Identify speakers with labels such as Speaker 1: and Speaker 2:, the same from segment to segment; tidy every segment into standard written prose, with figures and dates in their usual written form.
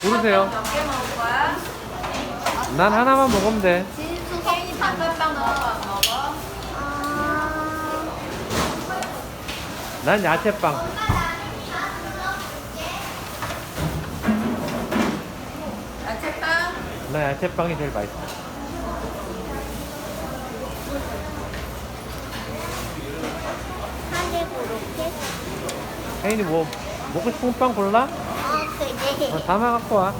Speaker 1: 고르세요.
Speaker 2: 몇 개 먹을 거야?
Speaker 1: 난 하나만 먹으면 돼.
Speaker 2: 진수 혜인이 단팥빵 넣어서 안 먹어?
Speaker 1: 난 야채빵.
Speaker 2: 야채빵?
Speaker 1: 나 야채빵이 제일 맛있어.
Speaker 3: 하게 고렇게?
Speaker 1: 혜인이 뭐 먹고 싶은 빵 골라?
Speaker 3: 그래.
Speaker 1: 담아 갖고 와.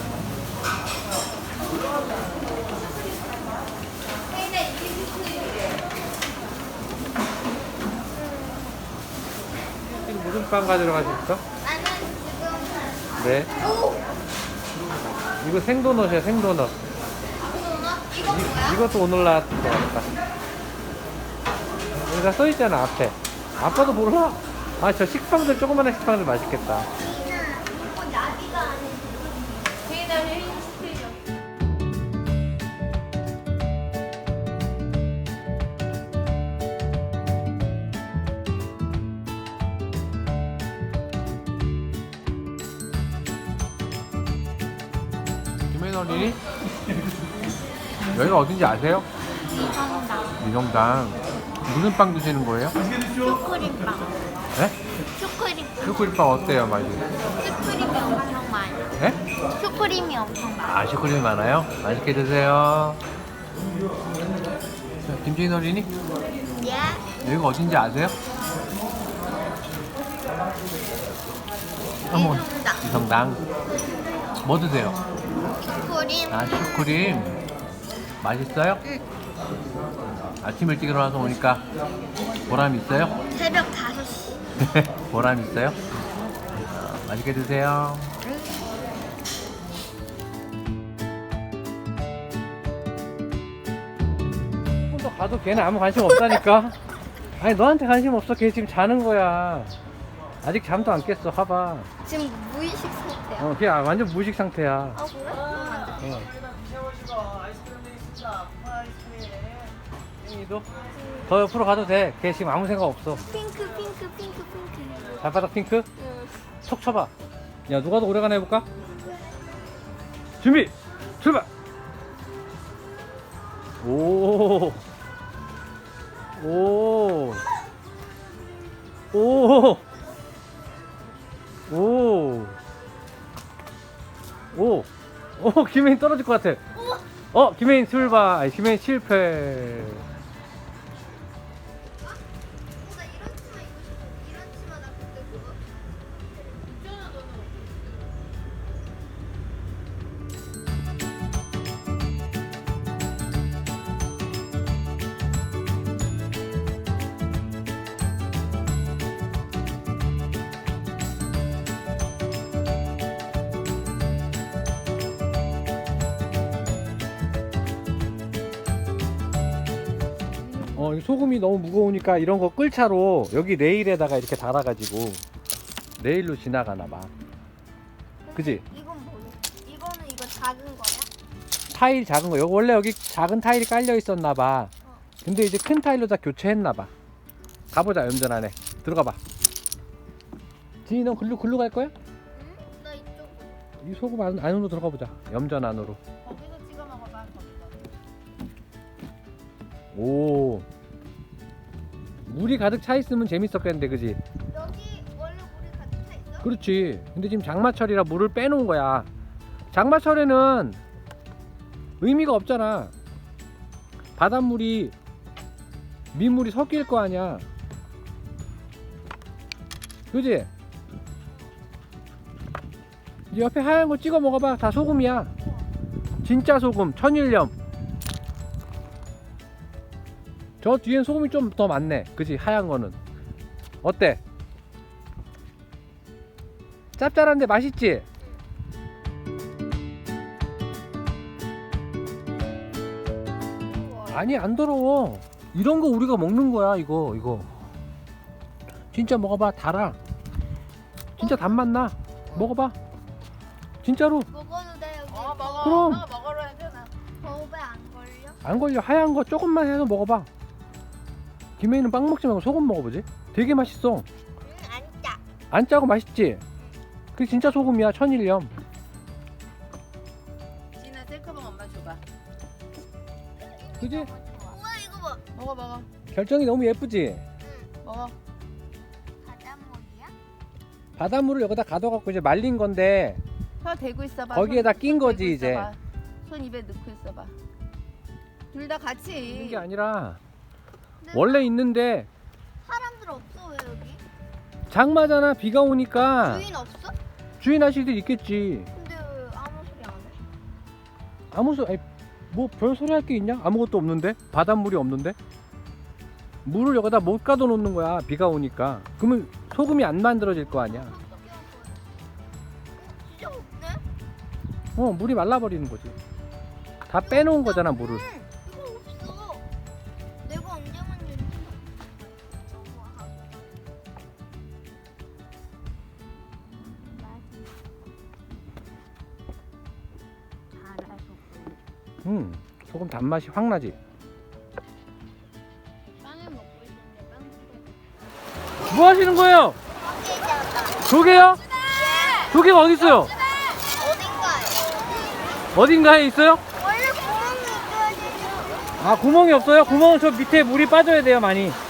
Speaker 2: 혜인아 이게 스크림이래.
Speaker 1: 지금 무슨 빵 가지러 가셨어?
Speaker 3: 나는 지금
Speaker 1: 네. 이거 생도넛이야, 생도넛.
Speaker 3: 도넛? 이거 뭐야?
Speaker 1: 이것도 오늘 나왔을 것 같다. 여기다 써있잖아, 앞에. 아빠도 몰라? 아, 저 식빵들, 조그마한 식빵들 맛있겠다.
Speaker 3: 이거 나비가 아니야.
Speaker 2: 혜인아 혜인 스크림.
Speaker 1: 김혜인 어린이? 여기가 어딘지 아세요? 미성당. 무슨 빵 드시는 거예요?
Speaker 3: 슈크림빵.
Speaker 1: 네?
Speaker 3: 슈크림빵.
Speaker 1: 슈크림빵 어때요, 맛이?
Speaker 3: 슈크림이 엄청 많아.
Speaker 1: 네?
Speaker 3: 슈크림이 엄청 많아.
Speaker 1: 아, 슈크림이 많아요? 맛있게 드세요. 자, 김재인 어린이?
Speaker 3: 예?
Speaker 1: 여기가 어딘지 아세요? 한번
Speaker 3: 미성당.
Speaker 1: 미성당. 뭐 드세요?
Speaker 3: 슈크림.
Speaker 1: 아, 슈크림. 맛있어요?
Speaker 3: 응.
Speaker 1: 아침 일찍 일어나서 오니까 보람 있어요?
Speaker 3: 새벽 5시.
Speaker 1: 보람 있어요? 맛있게 드세요. 조금 더 가도 걔는 아무 관심 없다니까. 아니, 너한테 관심 없어. 걔 지금 자는 거야. 아직 잠도 안 깼어. 봐봐.
Speaker 3: 지금 무의식 상태야.
Speaker 1: 걔 완전 무식 상태야.
Speaker 3: 아, 그래?
Speaker 1: 혜인이도 더 옆으로 가도 돼. 걔 지금 아무 생각 없어.
Speaker 3: 핑크, 핑크, 핑크, 핑크.
Speaker 1: 발바닥 핑크?
Speaker 3: 응.
Speaker 1: 톡 쳐봐. 야, 누가 더 오래가나 해볼까? 준비! 출발! 오! 오! 오! 오! 오! 오! 김혜인 떨어질 것 같아. 김혜인 출발. 아니, 김혜인 실패.
Speaker 3: 나 이런 치마 입고 싶어. 이런 치마 나 그때 그거.
Speaker 1: 이 소금이 너무 무거우니까 이런 거 끌차로 여기 레일에다가 이렇게 달아가지고 레일로 지나가나봐. 그지?
Speaker 3: 이건 뭐야? 이거는 이거 작은 거야?
Speaker 1: 타일 작은 거. 원래 여기 작은 타일이 깔려 있었나봐. 근데 이제 큰 타일로 다 교체했나봐. 가보자, 염전 안에. 들어가봐. 지희, 넌 글로 갈 거야?
Speaker 3: 응? 나 이쪽.
Speaker 1: 이 소금 안으로 들어가보자. 염전 안으로.
Speaker 2: 거기서 찍어 먹어봐 거기서.
Speaker 1: 오. 물이 가득 차 있으면 재밌었겠는데, 그지?
Speaker 3: 여기 원래 물이 가득 차 있어?
Speaker 1: 그렇지. 근데 지금 장마철이라 물을 빼놓은 거야. 장마철에는 의미가 없잖아. 바닷물이 민물이 섞일 거 아니야. 그지? 이 옆에 하얀 거 찍어 먹어봐. 다 소금이야. 진짜 소금, 천일염. 저 뒤엔 소금이 좀 더 많네. 그지? 하얀 거는. 어때? 짭짤한데 맛있지? 아니, 안 더러워. 이런 거 우리가 먹는 거야. 이거 진짜 먹어봐. 달아. 진짜 단맛 나. 먹어봐. 진짜로.
Speaker 3: 먹어도 돼 여기.
Speaker 2: 먹어.
Speaker 1: 그럼.
Speaker 2: 엄마가 먹으러 해잖아.
Speaker 3: 거울에 안 걸려?
Speaker 1: 안 걸려. 하얀 거 조금만 해서 먹어봐. 김혜인은 빵 먹지 말고 소금 먹어보지. 되게 맛있어.
Speaker 3: 안 짜.
Speaker 1: 안 짜고 맛있지? 그게 진짜 소금이야. 천일염.
Speaker 2: 셀카봉 엄마 줘봐.
Speaker 1: 그지?
Speaker 3: 우와 이거 봐.
Speaker 2: 먹어 먹어.
Speaker 1: 결정이 너무 예쁘지?
Speaker 3: 응.
Speaker 2: 먹어.
Speaker 3: 바닷물이야?
Speaker 1: 바닷물을 여기다 가둬갖고 이제 말린 건데
Speaker 2: 혀 대고 있어봐.
Speaker 1: 거기에다
Speaker 2: 손
Speaker 1: 낀 거지,
Speaker 2: 대고
Speaker 1: 이제.
Speaker 2: 있어봐. 손 입에 넣고 있어봐. 둘 다 같이.
Speaker 1: 있는 게 아니라
Speaker 3: 근데
Speaker 1: 원래 있는데
Speaker 3: 사람들 없어 왜 여기?
Speaker 1: 장마잖아. 비가 오니까
Speaker 3: 주인 없어?
Speaker 1: 주인 아저씨들 있겠지.
Speaker 3: 근데 왜 아무 소리 안 해?
Speaker 1: 아무 소리 뭐 별 소리 할 게 있냐? 아무것도 없는데? 바닷물이 없는데? 물을 여기다 못 가둬 놓는 거야. 비가 오니까. 그러면 소금이 안 만들어질 거 아니야.
Speaker 3: 어떻게 할 거야? 진짜 없네?
Speaker 1: 물이 말라버리는 거지. 다 빼놓은 거잖아, 물을.
Speaker 3: 응, 이거 없어. 내가 언제 만졌지?
Speaker 1: 소금 단맛이 확 나지.
Speaker 3: 빵을 먹고 있는데 빵
Speaker 1: 뭐 하시는 거예요?
Speaker 3: 어디잖아.
Speaker 1: 조개요? 조개가 어디 있어요?
Speaker 3: 어딘가에.
Speaker 1: 어딘가에 있어요?
Speaker 3: 원래 구멍이 있어야 되죠.
Speaker 1: 아, 구멍이 없어요? 구멍은 저 밑에 물이 빠져야 돼요, 많이.